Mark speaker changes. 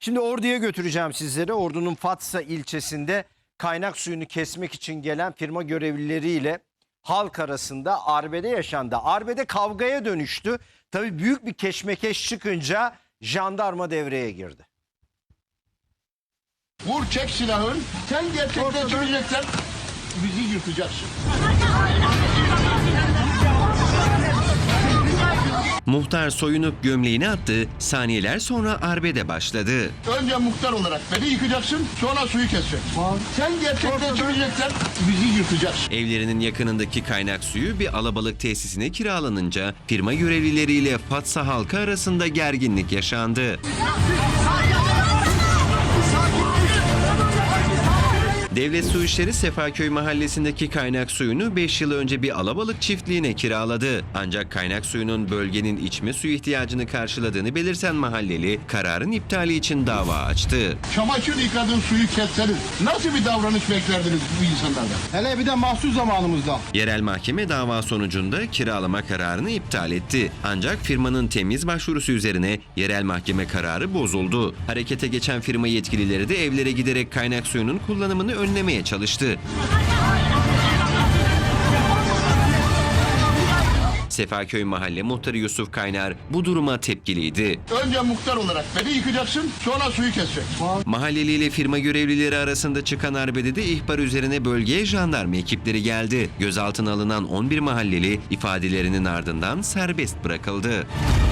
Speaker 1: Şimdi Ordu'ya götüreceğim sizleri. Ordu'nun Fatsa ilçesinde kaynak suyunu kesmek için gelen firma görevlileriyle halk arasında arbede yaşandı. Arbede kavgaya dönüştü. Tabii büyük bir keşmekeş çıkınca jandarma devreye girdi.
Speaker 2: Vur, çek silahın. Sen gerçekten söyleyeceksen bizi yırtacaksın.
Speaker 3: Muhtar soyunup gömleğini attı, saniyeler sonra arbede başladı.
Speaker 2: Önce muhtar olarak beni yıkacaksın, sonra suyu keseceksin. Sen gerçekten söyleyeceksen bizi yırtacaksın.
Speaker 3: Evlerinin yakınındaki kaynak suyu bir alabalık tesisine kiralanınca firma görevlileriyle Fatsa halkı arasında gerginlik yaşandı. Devlet Su İşleri Sefaköy mahallesindeki kaynak suyunu 5 yıl önce bir alabalık çiftliğine kiraladı. Ancak kaynak suyunun bölgenin içme suyu ihtiyacını karşıladığını belirten mahalleli kararın iptali için dava açtı.
Speaker 2: Çamaşır yıkadığın suyu kesseniz nasıl bir davranış beklerdiniz bu insanlardan? Hele bir de mahsus zamanımızda.
Speaker 3: Yerel mahkeme dava sonucunda kiralama kararını iptal etti. Ancak firmanın temiz başvurusu üzerine yerel mahkeme kararı bozuldu. Harekete geçen firma yetkilileri de evlere giderek kaynak suyunun kullanımını önlemeye çalıştı. Sefaköy Mahalle Muhtarı Yusuf Kaynar bu duruma tepkiliydi.
Speaker 2: Önce muhtar olarak beni yıkacaksın, sonra suyu keseceksin.
Speaker 3: Mahalleli ile firma görevlileri arasında çıkan arbedede ihbar üzerine bölgeye jandarma ekipleri geldi. Gözaltına alınan 11 mahalleli ifadelerinin ardından serbest bırakıldı.